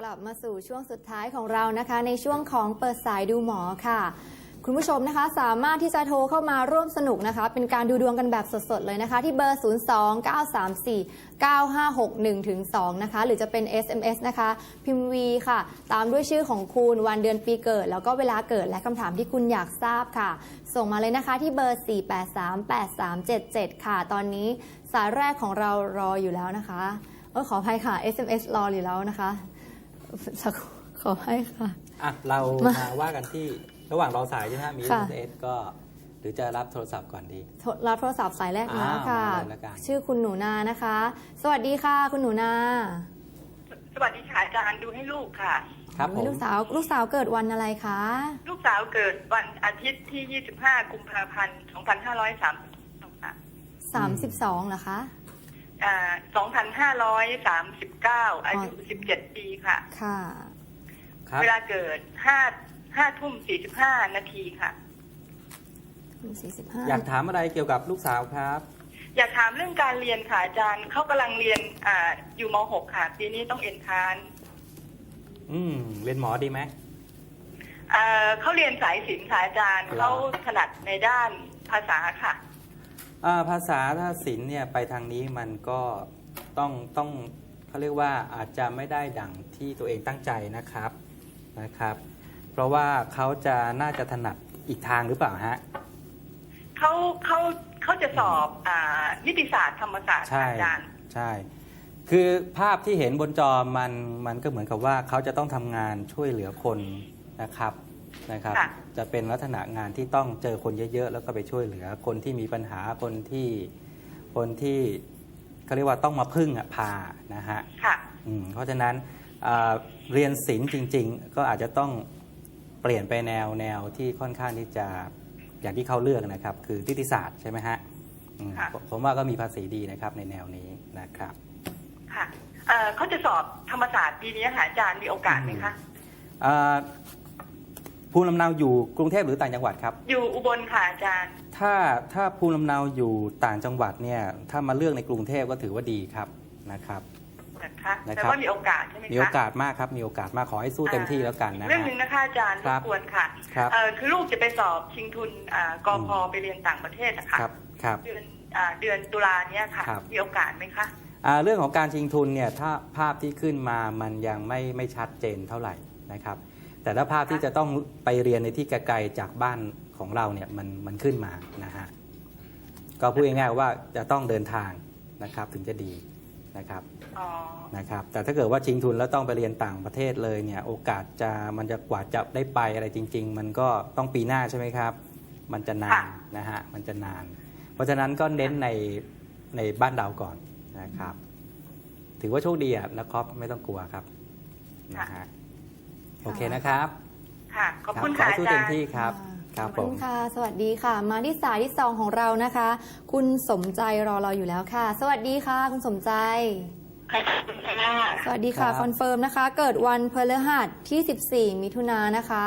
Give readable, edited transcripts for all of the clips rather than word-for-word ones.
ลับมาสู่ช่วงสุดท้ายของเรานะคะในช่วงของเปิดสายดูหมอค่ะคุณผู้ชมนะคะสามารถที่จะโทรเข้ามาร่วมสนุกนะคะเป็นการดูดวงกันแบบสดๆเลยนะคะที่เบอร์ 029349561-2 นะคะหรือจะเป็น SMS นะคะพิมพ์ V ค่ะตามด้วยชื่อของคุณวันเดือนปีเกิดแล้วก็เวลาเกิดและคำถามที่คุณอยากทราบค่ะส่งมาเลยนะคะที่เบอร์ 4838377 ค่ะตอนนี้สายแรกของเรารออยู่แล้วนะคะขออภัยค่ะ SMS รออยู่แล้วนะคะขอให้ค่ะเรามาว่ากันที่ระหว่างรอสายใช่ไหมมี SMS ก็หรือจะรับโทรศัพท์ก่อนดีรับโทรศัพท์สายแรกแล้วค่ะชื่อคุณหนูนานะคะสวัสดีค่ะคุณหนูนาสวัสดีค่ะอาจารย์ดูให้ลูกค่ะครับผมลูกสาวเกิดวันอะไรคะลูกสาวเกิดวันอาทิตย์ที่25กุมภาพันธ์2532ค่ะ 32เหรอคะ 2539อายุ17ปีค่ะค่ะเวลาเกิด5 ทุ่ม 45 นาทีค่ะ 45 อยากถามอะไรเกี่ยวกับลูกสาวครับอยากถามเรื่องการเรียนค่ะอาจารย์เขากำลังเรียนอยู่ม.6 ค่ะปีนี้ต้องเอ็นทรานซ์เรียนหมอดีไหมเขาเรียนสายศิลป์ค่ะอาจารย์เขาถนัดในด้านภาษาค่ะภาษาถ้าศิลป์เนี่ยไปทางนี้มันก็ต้องเขาเรียกว่าอาจจะไม่ได้ดั่งที่ตัวเองตั้งใจนะครับเพราะว่าเขาจะน่าจะถนัดอีกทางหรือเปล่าฮะเขาจะสอบนิติศาสตร์ธรรมศาสตร์อาจารย์ใช่คือภาพที่เห็นบนจอมันก็เหมือนกับว่าเขาจะต้องทำงานช่วยเหลือคนนะครับจะเป็นลักษณะงานที่ต้องเจอคนเยอะๆแล้วก็ไปช่วยเหลือคนที่มีปัญหาคนที่เขาเรียกว่าต้องมาพึ่งพานะฮะเพราะฉะนั้นเรียนศิลป์จริงๆก็อาจจะต้องเปลี่ยนไปแนวที่ค่อนข้างที่จะอย่างที่เขาเลือกนะครับคือนิติศาสตร์ใช่ไหมฮะผมว่าก็มีภาษีดีนะครับในแนวนี้นะครับค่ะเขาจะสอบธรรมศาสตร์ปีนี้อาจารย์มีโอกาสไหมคะภูมิลำเนาอยู่กรุงเทพหรือต่างจังหวัดครับอยู่อุบลค่ะอาจารย์ถ้าภูมิลำเนาอยู่ต่างจังหวัดเนี่ยถ้ามาเลือกในกรุงเทพก็ถือว่าดีครับนะครับแต่ว่ามีโอกาสใช่ไหมคะมีโอกาสมากครับมีโอกาสมากขอให้สู้เต็มที่แล้วกันนะเรื่องหนึ่งนะคะอาจารย์รบกวนค่ะคือลูกจะไปสอบชิงทุนกพ.ไปเรียนต่างประเทศนะคะเดือนตุลาเนี่ยค่ะมีโอกาสไหมคะเรื่องของการชิงทุนเนี่ยถ้าภาพที่ขึ้นมามันยังไม่ชัดเจนเท่าไหร่นะครับแต่ถ้าภาพที่จะต้องไปเรียนในที่ไกลๆจากบ้านของเราเนี่ยมันขึ้นมานะฮะก็พูดง่ายๆว่าจะต้องเดินทางนะครับถึงจะดีนะครับแต่ถ้าเกิดว่าชิงทุนแล้วต้องไปเรียนต่างประเทศเลยเนี่ยโอกาสมันจะกว่าจะได้ไปอะไรจริงๆมันก็ต้องปีหน้าใช่ไหมครับมันจะนานนะฮะมันจะนานเพราะฉะนั้นก็เน้นในบ้านเราก่อนนะครับถือว่าโชคดีนะครับไม่ต้องกลัวครับนะฮะโอเคนะครับค่ะขอบคุณค่ะอาจารย์สู้เต็มที่ครับขอบคุณค่ะสวัสดีค่ะมาที่สายที่2ของเรานะคะคุณสมใจรอเราอยู่แล้วค่ะสวัสดีค่ะคุณสมใจสวัสดีค่ะคอนเฟิร์มนะคะเกิดวันพฤหัสที่14มิถุนายนนะคะ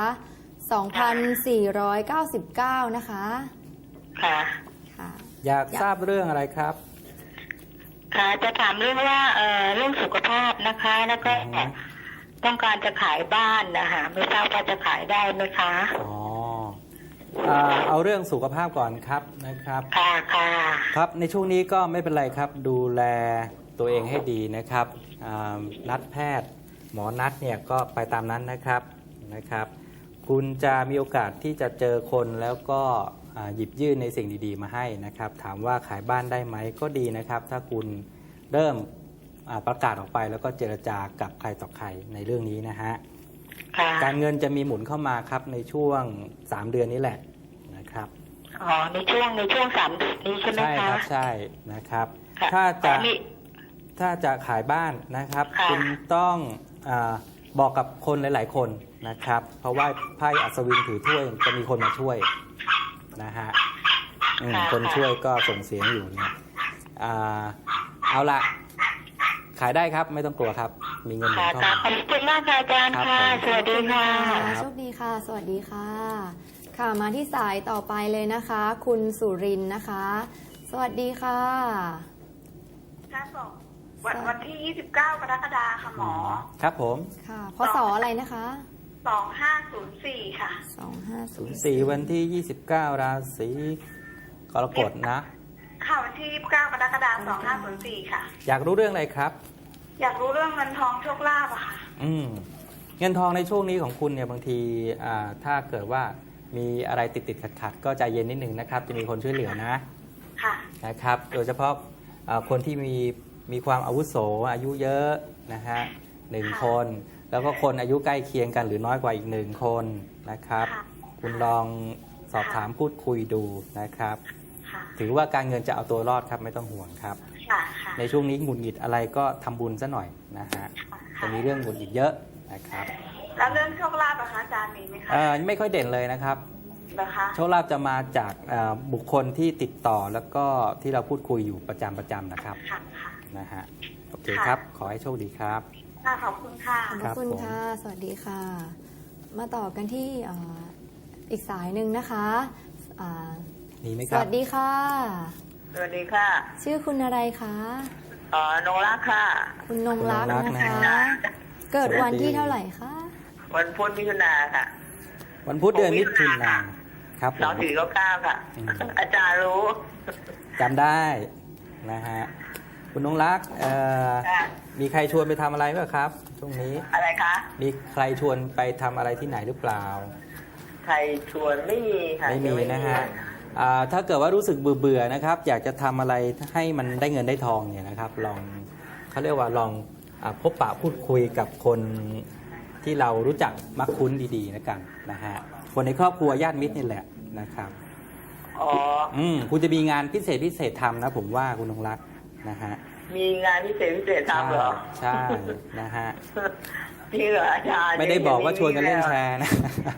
2499นะคะค่ะอยากทราบเรื่องอะไรครับค่ะจะถามเรื่องว่าเรื่องสุขภาพนะคะแล้วก็ต้องการจะขายบ้านนะคะไม่ทราบว่าจะขายได้ไหมคะเอาเรื่องสุขภาพก่อนครับนะครับค่ะครับในช่วงนี้ก็ไม่เป็นไรครับดูแลตัวเองให้ดีนะครับนัดแพทย์หมอนัดเนี่ยก็ไปตามนั้นนะครับคุณจะมีโอกาสที่จะเจอคนแล้วก็หยิบยื่นในสิ่งดีๆมาให้นะครับถามว่าขายบ้านได้ไหมก็ดีนะครับถ้าคุณเริ่มประกาศออกไปแล้วก็เจรจากับใครต่อใครในเรื่องนี้นะฮะการเงินจะมีหมุนเข้ามาครับในช่วง3 เดือนนี้แหละนะครับในช่วง3 เดือนนี้ใช่ไหมคะใช่ครับใช่นะครับถ้าจะขายบ้านนะครับคุณต้องบอกกับคนหลายๆคนนะครับเพราะว่าไพ่อัศวินถือถ้วยจะมีคนมาช่วยนะฮะคนช่วยก็ส่งเสียงอยู่เนี่ยเอาละขายได้ครับไม่ต้องกลัวครับมีเงินเข้ามาขอบคุณมากค่ะอาจารย์ค่ะสวัสดีค่ะโชคดีค่ะสวัสดีค่ะค่ะมาที่สายต่อไปเลยนะคะคุณสุรินทร์นะคะสวัสดีค่ะค่ะวันที่ 29 กรกฎาคมค่ะหมอครับผมค่ะพศอะไรนะคะ 2504 ค่ะ 4 วันที่ 29 ราศีกรกฎนะค่ะวันที่ 29 กรกฎาคม 2504 ค่ะอยากรู้เรื่องอะไรครับอยากรู้เรื่องเงินทองโชคลาภอะค่ะเงินทองในช่วงนี้ของคุณเนี่ยบางทีถ้าเกิดว่ามีอะไรติดขัดก็ใจเย็นนิดนึงนะครับ จะมีคนช่วยเหลือนะค่ะนะครับ โดยเฉพาะคนที่มีความอาวุโสอายุเยอะนะฮะ1 คน แล้วก็คนอายุใกล้เคียงกันหรือน้อยกว่าอีก1 คนนะครับค่ะคุณลองสอบถามพูดคุยดูนะครับค่ะถือว่าการเงินจะเอาตัวรอดครับไม่ต้องห่วงครับค่ะค่ะในช่วงนี้หงุดหงิดอะไรก็ทำบุญซะหน่อยนะฮะจะมีเรื่องหงุดหงิดเยอะนะครับแล้วเรื่องโชคลาภอะคะอาจารย์มีไหมคะไม่ค่อยเด่นเลยนะครับเหรอคะโชคลาภจะมาจากบุคคลที่ติดต่อแล้วก็ที่เราพูดคุยอยู่ประจำนะครับค่ะค่ะนะฮะโอเคครับ ขอให้โชคดีครับค่ะขอบคุณค่ะขอบครับคุณผมค่ะ สวัสดีค่ะ มาต่อกันที่อีกสายหนึ่งนะคะอ่ามีไหมสครับวัสดีค่ะสวัสดีค่ะชื่อคุณอะไรคะนงรักค่ะคุณนงรักคุณนงรักนะนะคะเกิดวันที่เท่าไหร่คะวันพุธมิถุนาค่ะวันพุธเดือนมิถุนายนครับผม 2499ค่ะอืมอาจารย์รู้จำได้นะฮะคุณนงรักมีใครชวนไปทำอะไรไหมครับช่วงนี้อะไรคะมีใครชวนไปทำอะไรที่ไหนหรือเปล่าใครชวนไม่มีค่ะไม่มียังนะฮะถ้าเกิดว่ารู้สึกเบื่อๆนะครับ อยากจะทำอะไรให้มันได้เงินได้ทองเนี่ยนะครับ ลองเขาเรียกว่าลองพบปะพูดคุยกับคนที่เรารู้จักมักคุ้นดีๆนะกันนะฮะคนในครอบครัวญาติมิตรนี่แหละนะครับอ๋อคุณจะมีงานพิเศษทำนะผมว่าคุณนงรักนะฮะมีงานพิเศษทำเหรอใช่นะฮะจริงเหรออาจารย์ไม่ได้บอกว่าชวนกันเล่นแชร์นะ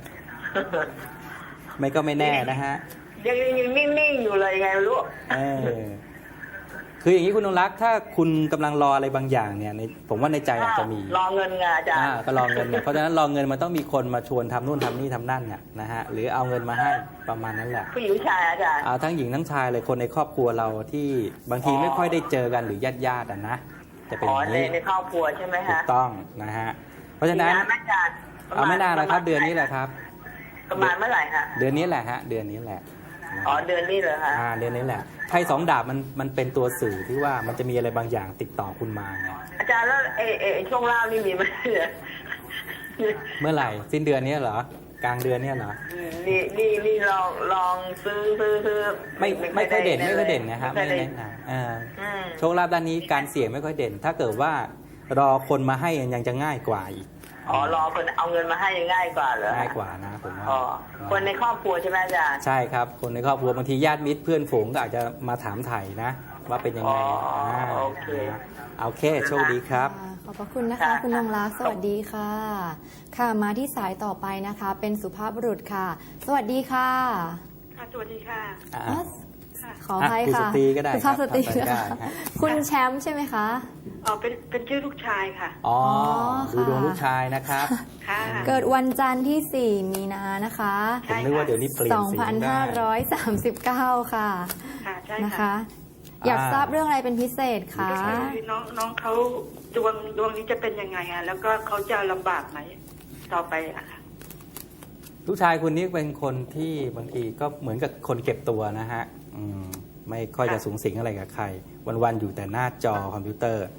ไม่ก็ไม่แน่นะฮะยังนิ่งๆอยู่เลยไงไม่รู้คืออย่างนี้คุณนงรักถ้าคุณกำลังรออะไรบางอย่างเนี่ยผมว่าในใจอาจจะมีรอเงินไงอาจารย์ก็รอเงินเนี่ยเพราะฉะนั้นรอเงินมันต้องมีคนมาชวนทำนู่นทำนี่ทำนั่นเนี่ยนะฮะหรือเอาเงินมาให้ประมาณนั้นแหละผู้หญิงผู้ชายอาจารย์เอาทั้งหญิงทั้งชายเลยคนในครอบครัวเราที่บางทีไม่ค่อยได้เจอกันหรือญาติๆนะจะเป็นอย่างนี้ในครอบครัวใช่ไหมถูฮะกต้องนะฮะเพราะฉะนั้นมีงอาจารย์ไม่นานแล้วครับเดือนนี้แหละครับประมาณเมื่อไหร่ฮะเดือนนี้แหละฮะเดือนนี้แหละอ๋อเดือนนี้เหรอฮะเดือนนี้แหละไพ่2 ดาบมันเป็นตัวสื่อที่ว่ามันจะมีอะไรบางอย่างติดต่อคุณมาไงอาจารย์แล้วช่วงเล่านี่มีไหมเนี่ยเมื่อไหร่สิ้นเดือนนี้เหรอกลางเดือนนี้เหรอนี่ลองซื้อไม่ค่อยเด่นไม่ค่อยเด่นนะครับไม่แนะนำโชคลาภด้านนี้การเสี่ยงไม่ค่อยเด่น ถ้าเกิดว่ารอคนมาให้ยังจะง่ายกว่าอีกอ๋อรอคนเอาเงินมาให้ง่ายกว่าเหรอง่ายกว่านะผมว่าอ๋อคนในครอบครัวใช่ไหมอาจารย์ใช่ครับคนในครอบครัวบางทีญาติมิตรเพื่อนฝูงก็อาจจะมาถามไถ่นะ ว่าเป็นยังไงโอเคโอเคโชคดีครับขอบพระคุณนะคะ คุณนงรักสวัสดีค่ะ ค่ะมาที่สายต่อไปนะคะ เป็นสุภาพบุรุษค่ะ สวัสดีค่ะค่ะสวัสดีค่ะขออภัยค่ะคุณสตรีก็ได้สุภาพสตรีครับนะคะได้ฮะคุณแชมป์ใช่ไหมคะอ๋อเป็นชื่อลูกชายค่ะอ๋อค่ะดูดวงลูกชายนะครับค่ะเกิดวันจันทร์ที่ 4 มีนานะคะผมนึกว่าเดี๋ยวนี้เปลี่ยนสีได้ 2539 ค่ะค่ะใช่นะคะค่ะอยากทราบเรื่องอะไรเป็นพิเศษคะน้องเขาดวงนี้จะเป็นยังไงอะแล้วก็เขาจะลำบากไหมต่อไปอะค่ะลูกชายคุณนี่เป็นคนที่บางทีก็เหมือนกับคนเก็บตัวนะฮะไม่ค่อยจะสูงสิงอะไรกับใคร วันๆอยู่แต่หน้าจอคอมพิวเตอร์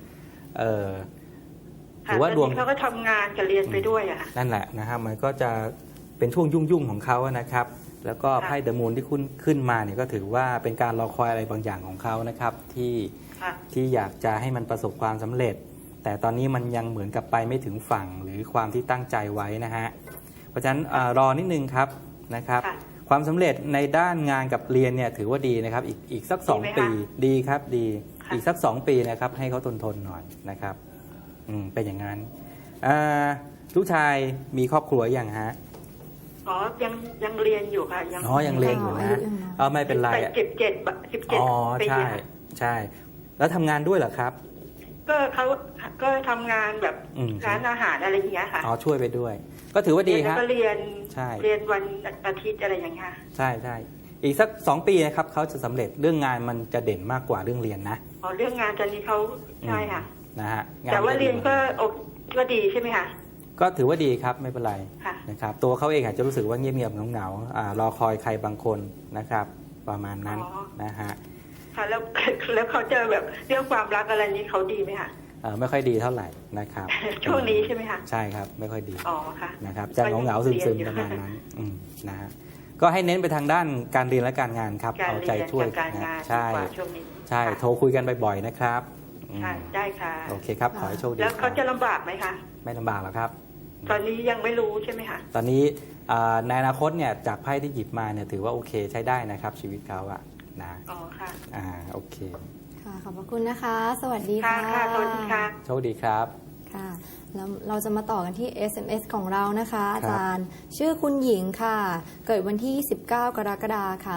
ถือว่าดวงเขาก็ทำงานกับเรียนไปด้วยอะนั่นแหละนะฮะมันก็จะเป็นช่วงยุ่งๆของเขานะครับ แล้วก็ไพ่เดอะมูนที่ขึ้นมาเนี่ยก็ถือว่าเป็นการรอคอยอะไรบางอย่างของเขานะครับที่อยากจะให้มันประสบความสำเร็จ แต่ตอนนี้มันยังเหมือนกับไปไม่ถึงฝั่งหรือความที่ตั้งใจไว้นะฮะเพราะฉะนั้นรอนิดนึงครับนะครับ ความสำเร็จในด้านงานกับเรียนเนี่ยถือว่าดีนะครับอีกสัก2 ปีดีครับดีอีกสัก2 ปีนะครับให้เขาทนหน่อยนะครับเป็นอย่างนั้นลูกชายมีครอบครัวยังฮะอ๋อยังเรียนอยู่ค่ะยังเรียนอยู่นะไม่เป็นไร 17 อ๋อปีใช่แล้วทำงานด้วยเหรอครับก็เขาก็ทำงานแบบร้านอาหารอะไรอย่างเงี้ยค่ะช่วยไปด้วย ก็ถือว่าดีครับก็เรียนใช่เรียนวันอาทิตย์อะไรอย่างเงี้ยใช่อีกสัก2 ปีนะครับเขาจะสำเร็จเรื่องงานมันจะเด่นมากกว่าเรื่องเรียนนะอ๋อเรื่องงานตอนนี้เขาใช่ค่ะนะฮะแต่ว่าเรียนก็ดีใช่ไหมคะก็ถือว่าดีครับไม่เป็นไรค่ะนะครับตัวเขาเองอาจจะรู้สึกว่าเงียบๆเหงาๆรอคอยใครบางคนนะครับประมาณนั้นนะฮะค่ะแล้วเขาเจอแบบเรื่องความรักอะไรนี้เขาดีไหมคะไม่ค่อยดีเท่าไหร่นะครับช่วงนี้ใช่ไหมคะใช่ครับไม่ค่อยดีอ๋อค่ะนะครับจะเหงาๆซึมๆประมาณนั้นนะฮะก็ให้เน้นไปทางด้านการเรียนและการงานครับการเอาเรีใจยนช่วยกับการงานใช่ดีกว่าช่วงนี้ใช่ค่ะโทรคุยกันบ่อยๆนะครับค่ะได้ค่ะโอเคครับขอให้โชคดีแล้วเขาจะครับลำบากไหมคะไม่ลำบากหรอกครับตอนนี้ยังไม่รู้ใช่ไหมคะตอนนี้ในอนาคตเนี่ยจากไพ่ที่หยิบมาเนี่ยถือว่าโอเคใช้ได้นะครับชีวิตเขาอะนะอ๋อค่ะโอเคค่ะขอบพระคุณนะคะ สวัสดีค่ะค่ะค่ะสวัสดีค่ะโชคดีครับค่ะแล้วเราจะมาต่อกันที่ SMS ของเรานะคะครับอาจารย์ชื่อคุณหญิงค่ะ เกิดวันที่ 19 กรกฎาคมค่ะ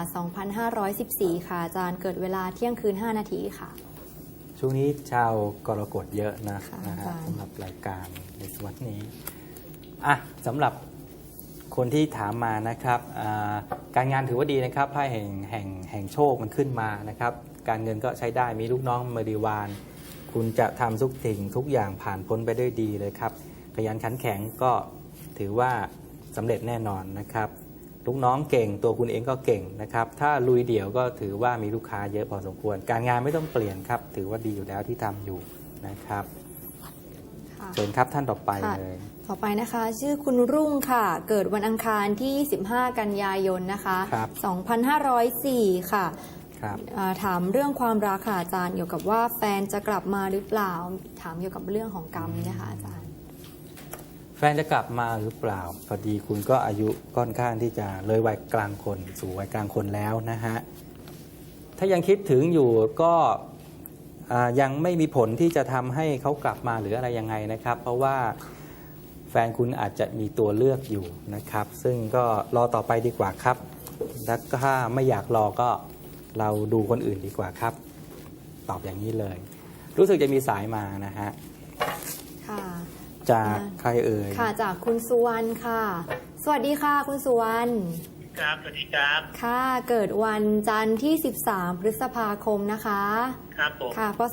2514 ค่ะอาจารย์เกิดเวลาเที่ยงคืน 5 นาทีค่ะช่วงนี้ชาวกรกฎเยอะนะค่ะนะฮะอาจารย์สำหรับรายการในสวัสดนี้สำหรับคนที่ถามมานะครับการงานถือว่าดีนะครับไพ่แห่งโชคมันขึ้นมานะครับการเงินก็ใช้ได้มีลูกน้องบริวารคุณจะทำทุกสิ่งทุกอย่างผ่านพ้นไปด้วยดีเลยครับขยันขันแข็งก็ถือว่าสำเร็จแน่นอนนะครับลูกน้องเก่งตัวคุณเองก็เก่งนะครับถ้าลุยเดี่ยวก็ถือว่ามีลูกค้าเยอะพอสมควรการงานไม่ต้องเปลี่ยนครับถือว่าดีอยู่แล้วที่ทำอยู่นะครับค่ะเชิญครับท่านต่อไปค่ะเลยต่อไปนะคะ ชื่อคุณรุ่งค่ะ เกิดวันอังคารที่ 15 กันยายนนะคะครับ 2504 ค่ะครับถามเรื่องความรักค่ะอาจารย์เกี่ยวกับว่าแฟนจะกลับมาหรือเปล่า ถามเกี่ยวกับเรื่องของกรรมนะคะอาจารย์แฟนจะกลับมาหรือเปล่าพอดีคุณก็อายุค่อนข้างที่จะเลยวัยกลางคนสู่วัยกลางคนแล้วนะฮะถ้ายังคิดถึงอยู่ก็ยังไม่มีผลที่จะทำให้เขากลับมาหรืออะไรยังไงนะครับ เพราะว่าแฟนคุณอาจจะมีตัวเลือกอยู่นะครับ ซึ่งก็รอต่อไปดีกว่าครับแล้วถ้าไม่อยากรอก็เราดูคนอื่นดีกว่าครับ ตอบอย่างนี้เลย รู้สึกจะมีสายมานะฮะค่ะจากใครเอ่ยค่ะจากคุณสุวรรณค่ะ สวัสดีค่ะคุณสุวรรณครับสวัสดีครับค่ะ เกิดวันจันทร์ที่ 13 พฤษภาคมนะคะครับผมค่ะพศ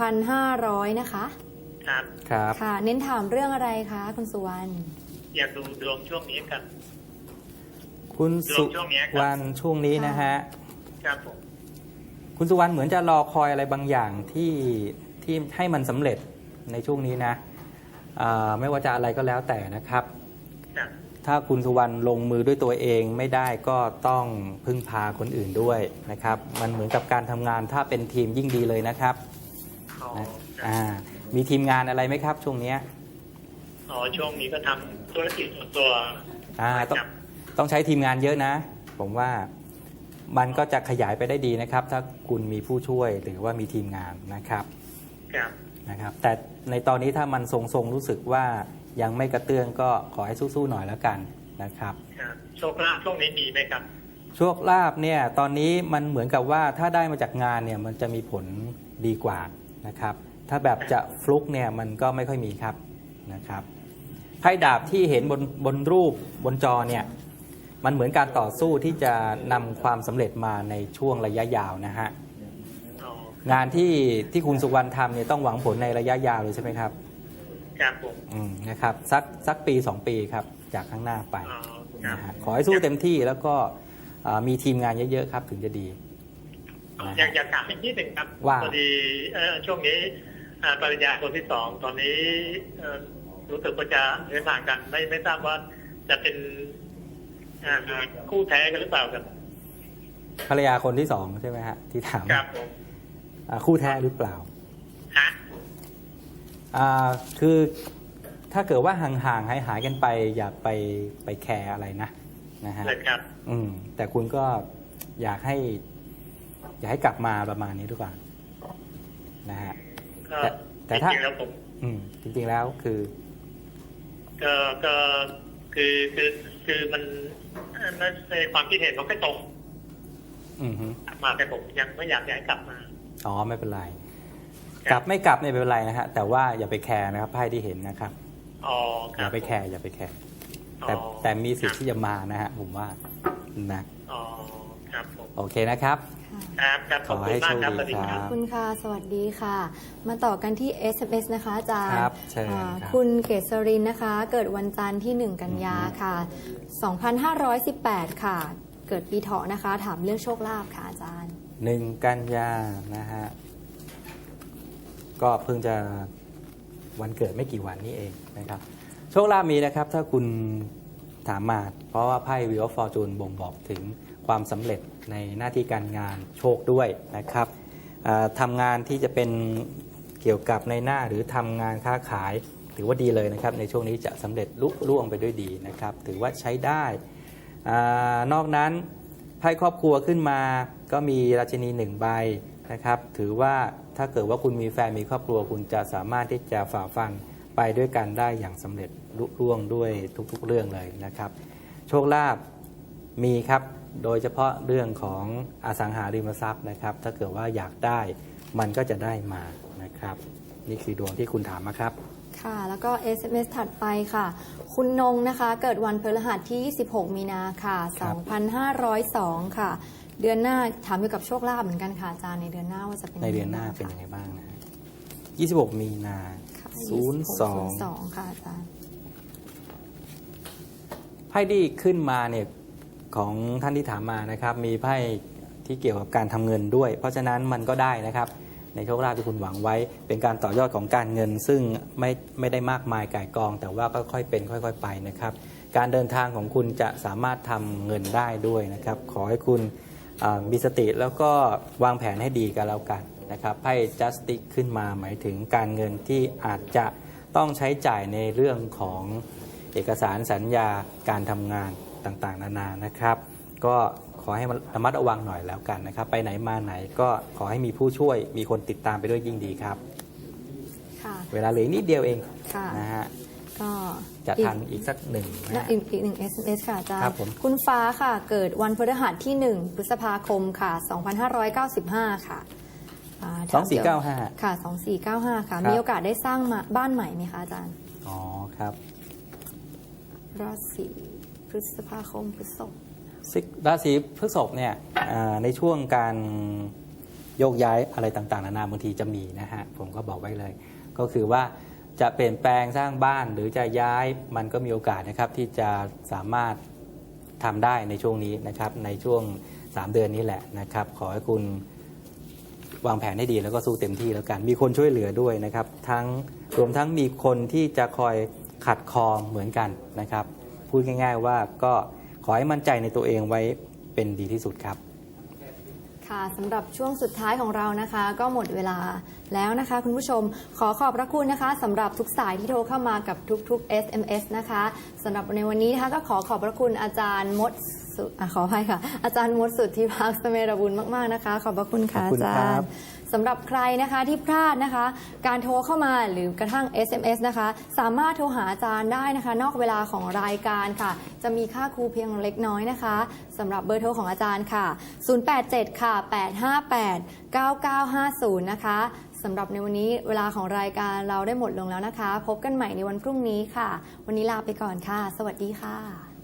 2500 นะคะครับครับค่ะ เน้นถามเรื่องอะไรคะคุณสุวรรณอยากดูดวงช่วงนี้กันคุณสุช่วงนี้ครับวรรณช่วงนี้นะฮะครับผมคุณสุวรรณเหมือนจะรอคอยอะไรบางอย่างที่ให้มันสำเร็จในช่วงนี้นะไม่ว่าจะอะไรก็แล้วแต่นะครับครับถ้าคุณสุวรรณลงมือด้วยตัวเองไม่ได้ก็ต้องพึ่งพาคนอื่นด้วยนะครับ มันเหมือนกับการทำงานถ้าเป็นทีมยิ่งดีเลยนะครับอ๋อนะมีทีมงานอะไรไหมครับ ช่วงเนี้ยอ๋อช่วงนี้ก็ทำธุรกิจส่วนตัวต้องใช้ทีมงานเยอะนะ ผมว่ามันก็จะขยายไปได้ดีนะครับ ถ้าคุณมีผู้ช่วยหรือว่ามีทีมงานนะครับครับนะครับ แต่ในตอนนี้ถ้ามันทรงๆรู้สึกว่ายังไม่กระเตื้องก็ขอให้สู้ๆหน่อยแล้วกันนะครับครับโชคลาภช่วงนี้มีไหมครับโชคลาภเนี่ยตอนนี้มันเหมือนกับว่าถ้าได้มาจากงานเนี่ยมันจะมีผลดีกว่านะครับ ถ้าแบบจะฟลุกเนี่ยมันก็ไม่ค่อยมีครับนะครับไพ่ดาบที่เห็นบนรูปบนจอเนี่ยมันเหมือนการต่อสู้ที่จะนำความสำเร็จมาในช่วงระยะยาวนะฮะอ๋องานที่คุณสุวรรณทำเนี่ยต้องหวังผลในระยะยาวเลยใช่ไหมครับครับผมนะครับสักปี 2 ปีครับจากข้างหน้าไปอ๋อครับนะฮะขอให้สู้เต็มที่แล้วก็มีทีมงานเยอะๆครับถึงจะดีนะอยาฮะกถามอีกนิดหนึ่งครับว่าพอดีช่วงนี้ปริญญาคนที่สองตอนนี้รู้สึกว่าจะเดินทางกันไม่ทราบว่าจะเป็นคู่แท้กันหรือเปล่าครับภรรยาคนที่ 2 ใช่ไหมฮะที่ถามครับผมคู่แท้หรือเปล่าฮะคือถ้าเกิดว่าห่างๆหายกันไปอย่าไปแคร์อะไรนะฮะเลยครับแต่คุณก็อยากให้กลับมาประมาณนี้ดีกว่านะฮะก็แต่ถ้าจริงๆแล้วผมจริงๆแล้วคือก็คือมันในความคิดเห็นมันไม่ตรงอือฮึมาแต่ผมยังไม่อยากให้กลับมาอ๋อไม่เป็นไร กลับไม่กลับไม่เป็นไรนะฮะแต่ว่าอย่าไปแคร์นะครับไพ่ที่เห็นนะครับอ๋อคอรับย่าไปแคร์อย่าไปแคร์อ๋อแต่มีสิทธิ์ที่จะมานะฮะผมว่านะอ๋อครับผมโอเคนะครับครับขอบคุณมากครับสวัสดีคขรัอบบ คุณค่ะ สวัสดีค่ะ มาต่อกันที่ SMS นะคะอาจารย์ครับเชิญอ่าครับคุณเกษรินนะคะ เกิดวันจันทร์ที่ 1 กันยาค่ะ 2518 ค่ะ เกิดปีเถาะนะคะ ถามเรื่องโชคลาภค่ะอาจารย์ 1 กันยานะฮะก็เพิ่งจะวันเกิดไม่กี่วันนี้เองนะครับโชคลาภมีนะครับถ้าคุณถามมาเพราะว่าไพ่ Wheel of Fortune บ่งบอกถึงความสำเร็จในหน้าที่การงานโชคด้วยนะครับทำงานที่จะเป็นเกี่ยวกับในหน้าหรือทำงานค้าขายถือว่าดีเลยนะครับในช่วงนี้จะสำเร็จลุล่วงไปด้วยดีนะครับถือว่าใช้ได้นอกนั้นไพ่ครอบครัวขึ้นมาก็มีราชินี1 ใบนะครับถือว่าถ้าเกิดว่าคุณมีแฟนมีครอบครัวคุณจะสามารถที่จะฝ่าฟันไปด้วยกันได้อย่างสำเร็จลุล่วงด้วยทุกๆเรื่องเลยนะครับโชคลาภมีครับโดยเฉพาะเรื่องของอสังหาริมทรัพย์นะครับถ้าเกิดว่าอยากได้มันก็จะได้มานะครับนี่คือดวงที่คุณถามมาครับค่ะ แล้วก็ SMS ถัดไปค่ะ คุณนงนะคะ เกิดวันพฤหัสที่ 26 มีนาค่ะครับ 2502 ค่ะ เดือนหน้าถามเกี่ยวกับโชคลาภเหมือนกันค่ะอาจารย์ในเดือนหน้าว่าจะเป็นในเดือนหน้าเป็นยังไงบ้างนะฮะ26 มีนาค่ะ 02 02 ค่ะอาจารย์ไพ่ที่ขึ้นมาเนี่ยของท่านที่ถามมานะครับมีไพ่ที่เกี่ยวกับการทำเงินด้วย เพราะฉะนั้นมันก็ได้นะครับในโชคลาภที่คุณหวังไว้เป็นการต่อยอดของการเงิน ซึ่งไม่ได้มากมายก่ายกอง แต่ว่าค่อยๆเป็นค่อยๆไปนะครับการเดินทางของคุณจะสามารถทำเงินได้ด้วยนะครับขอให้คุณมีสติแล้วก็วางแผนให้ดีกันแล้วกันนะครับไพ่ Justice ขึ้นมาหมายถึงการเงินที่อาจจะต้องใช้จ่ายในเรื่องของเอกสารสัญญาการทำงานต่างๆนานานะครับ ก็ขอให้ระมัดระวังหน่อยแล้วกันนะครับไปไหนมาไหนก็ขอให้มีผู้ช่วยมีคนติดตามไปด้วยยิ่งดีครับค่ะเวลาเหลือนิดเดียวเองค่ะนะฮะก็จะทันอีกสักหนึ่งนะฮะอีกหนึ่ง SMS ค่ะอาจารครัย์บผมคุณฟ้าค่ะ เกิดวันพฤหัสที่ 1 พฤษภาคมค่ะ 2595 ค่ะถมเกี่ยว 2495 ค่ะ 2495 ค่ะครับมีโอกาสได้สร้างบ้านใหม่ไหมคะอาจารย์อ๋อครับราศีพฤษภาคมพฤษภราศีพฤษภเนี่ยในช่วงการโยกย้ายอะไรต่างๆนานาบางทีจะมีนะฮะผมก็บอกไว้เลย ก็คือว่าจะเปลี่ยนแปลงสร้างบ้านหรือจะย้ายมันก็มีโอกาสนะครับที่จะสามารถทำได้ในช่วงนี้นะครับในช่วง3 เดือนนี้แหละนะครับขอให้คุณวางแผนให้ดีแล้วก็สู้เต็มที่แล้วกันมีคนช่วยเหลือด้วยนะครับรวมทั้งมีคนที่จะคอยขัดคอเหมือนกันนะครับพูดง่ายๆว่าก็ขอให้มั่นใจในตัวเองไว้เป็นดีที่สุดครับค่ะสำหรับช่วงสุดท้ายของเรานะคะ ก็หมดเวลาแล้วนะคะ คุณผู้ชมขอขอบพระคุณนะคะสำหรับทุกสายที่โทรเข้ามากับทุกๆ SMS นะคะสำหรับในวันนี้นะคะก็ขอบพระคุณอาจารย์มดขออภัยค่ะอาจารย์มดสุทธิภาคเสเมรบุญมากๆนะคะขอบพระคุณค่ะขอบคุณอาครัจารบย์สำหรับใครนะคะที่พลาดนะคะ การโทรเข้ามาหรือกระทั่ง SMS นะคะสามารถโทรหาอาจารย์ได้นะคะ นอกเวลาของรายการค่ะ จะมีค่าครูเพียงเล็กน้อยนะคะสำหรับเบอร์โทรของอาจารย์ค่ะ 087 ค่ะ 858 9950 นะคะสำหรับในวันนี้เวลาของรายการเราได้หมดลงแล้วนะคะ พบกันใหม่ในวันพรุ่งนี้ค่ะ วันนี้ลาไปก่อนค่ะ สวัสดีค่ะ